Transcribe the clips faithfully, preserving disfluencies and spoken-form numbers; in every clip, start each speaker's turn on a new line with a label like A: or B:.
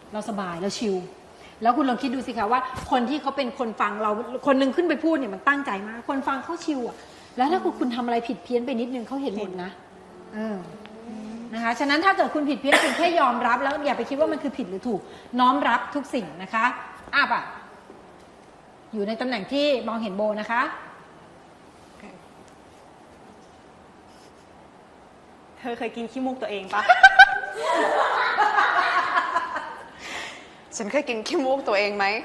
A: เราสบายเราชิลแล้วคุณลองคิดดูสิคะว่าคนที่เขาเป็นคนฟังเราคนนึงขึ้นไปพูดเนี่ยมันตั้งใจมากคนฟังเขาชิลอ่ะแล้วถ้าคุณคุณทำอะไรผิดเพี้ยนไปนิดนึงเขาเห็นหมดนะเออนะคะฉะนั้นถ้าเกิดคุณผิดเพี้ยนคุณแค่ยอมรับแล้วอย่าไปคิดว่ามันคือผิดหรือถูกน้อมรับทุกสิ่งนะคะอ่ะป่ะอยู่ในตำแหน่งที่มองเห็นโบนะคะ
B: เธอเคยกินขี้มูกตัวเองปะ
C: ฉันเคยกินขี้มูกตัวเองไหม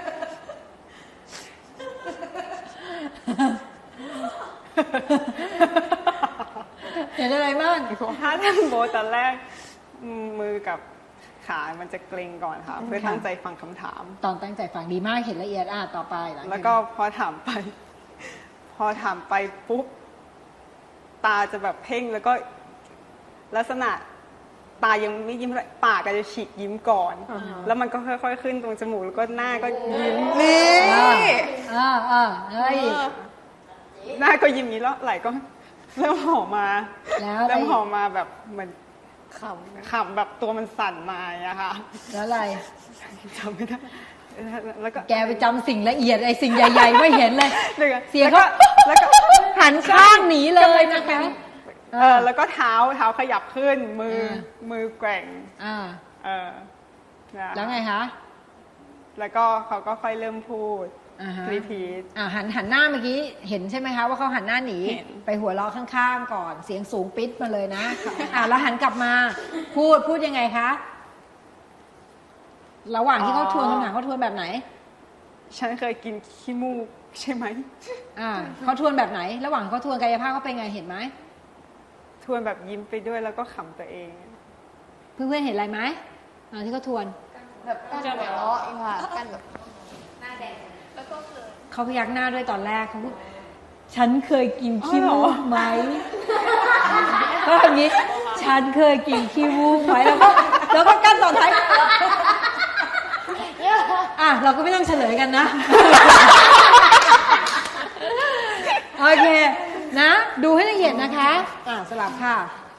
A: เห็นอะไรบ้าง
B: ถ้าทำโบตอนแรกมือกับขามันจะเกร็งก่อนค่ะเพื่อตั้งใจฟังคำถาม
A: ตอนตั้งใจฟังดีมากเห็นละเอียดอ่ะต่อไป
B: แล้วก็พอถามไปพอถามไปปุ๊บตาจะแบบเพ่งแล้วก็ลักษณะตายังไม่ยิ้มเลยปากก็จะฉีกยิ้มก่อน uh-huh. แล้วมันก็ค่อยๆขึ้นตรงจมูกแล้วก็หน้าก็ยิ้ม
C: นี่
A: อ่าอ่าเฮ้ย
B: หน้าก็ยิ้มนี้แล้วไหลก็เริ่มห่อมาเริ่มห่อมาแบบเหมือนขำขำแบบตัวมันสั่นมาอะค่ะ
A: แล้วอะไร
B: จำไม่ได้แล้วก็
A: แกไปจำสิ่งละเอียดไอ้สิ่งใหญ่ๆไม่เห็นเลยเสียง
B: ก็
A: แล้วก็หันข้างหนีเลยนะคะ
B: เออแล้วก็เท้าเท้าขยับขึ้นมือมือแกว่ง
A: อ่า
B: เออ
A: แล้วไงคะ
B: แล้วก็เขาก็ค่อยเริ่มพูดรีพีท
A: อ่าหันหันหน้าเมื่อกี้เห็นใช่ไหมคะว่าเขาหันหน้าหนีไปหัวเราะข้างๆก่อนเสียงสูงปิดมาเลยนะอ่าแล้วหันกลับมาพูดพูดยังไงคะระหว่างที่เขาทวนคำถามเขาทวนแบบไหน
B: ฉันเคยกินขี้มูกใช่ไหม
A: อ่าเขาทวนแบบไหนระหว่างเขาทวนกายภาพเขาเป็นไงเห็นไหม
B: ทวนแบบยิ้มไปด้วยแล้วก็ขำตัวเอง
A: เพื่อนๆเห็นอะไรไหมตอนที่เขาทวน
C: แบบกั้นหัวเราะอีกค่ะกั้นแบบหน้าแดงแล้วก็
A: เขาพยักหน้าด้วยตอนแรกเขาพูดฉันเคยกินขี้มูกไหมก็อย่างนี้ฉันเคยกินขี้มูกไหมแล้วก็แล้วก็กั้นตอนท้ายอ่ะเราก็ไม่ต้องเฉลยกันนะโอเคนะดูให้ละเอียดนะคะอ่ะสลับค่ะ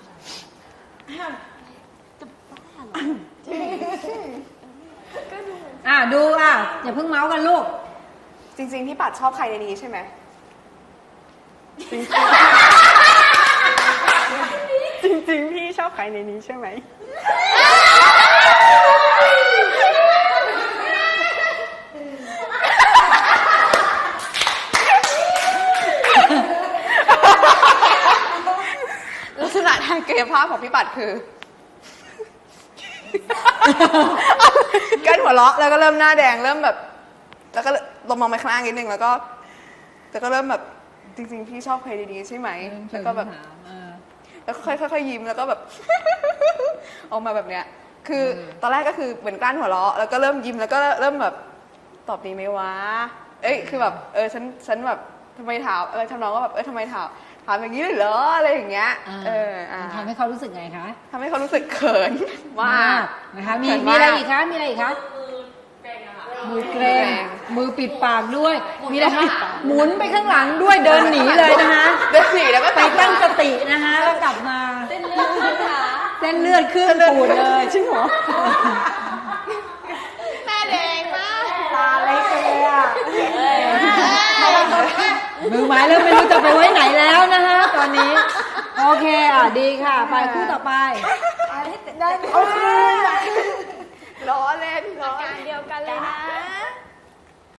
A: อ่ะดูอ่ะอย่าเพิ่งเมาส์กันลูก
C: จริงๆพี่ปัดชอบใครในนี้ใช่ไหม
B: จริงๆพี่ชอบใครในนี้ใช่ไหม
C: ลักษณะทางกายภาพของพี่ปัดคือกั้นหัวเราะแล้วก็เริ่มหน้าแดงเริ่มแบบแล้วก็ลงมองไปข้างล่างนิดนึงแล้วก็แล้วก็เริ่มแบบจริงๆพี่ชอบใครดีๆใช่ไหมแล้วก็แบบแล้วค่อยๆยิ้มแล้วก็แบบออกมาแบบเนี้ยคือตอนแรกก็คือเหมือนกลั้นหัวเราะแล้วก็เริ่มยิ้มแล้วก็เริ่มแบบตอบดีไหมวะเอ้ยคือแบบเออฉันฉันแบบทำไมถามเออทำน้องก็แบบเออทำไมถามถามอย่างนี้เลยเหรออะไรอย่างเงี้ยเออ
A: ทำให้เขารู้สึกไงคะ
C: ทำให้เขารู้สึกเขินมาก
A: นะคะมีมีอะไรอีกคะมีอะไรอีกคะมือเกรงมือปิดปากด้วยมีอะไรคะหมุนไปข้างหลังด้วยเดินหนีเลยนะคะ
C: เดินหนีแล้วก็
A: ไปตั้งสตินะคะแล้วกลับมาเส้นเลือดขึ้นขาเส้นเลือดขึ้นปูดเลย
C: จริงเหรอ
A: หน้าแดงมากตาเล็กเลยอ่ะมือไม้เริ่มไม่รู้จะไปไว้ไหนแล้วนะคะตอนนี้โอเคอ่ะดีค่ะไปคู่ต่อไป
C: ได้ล้อเล่นล้อ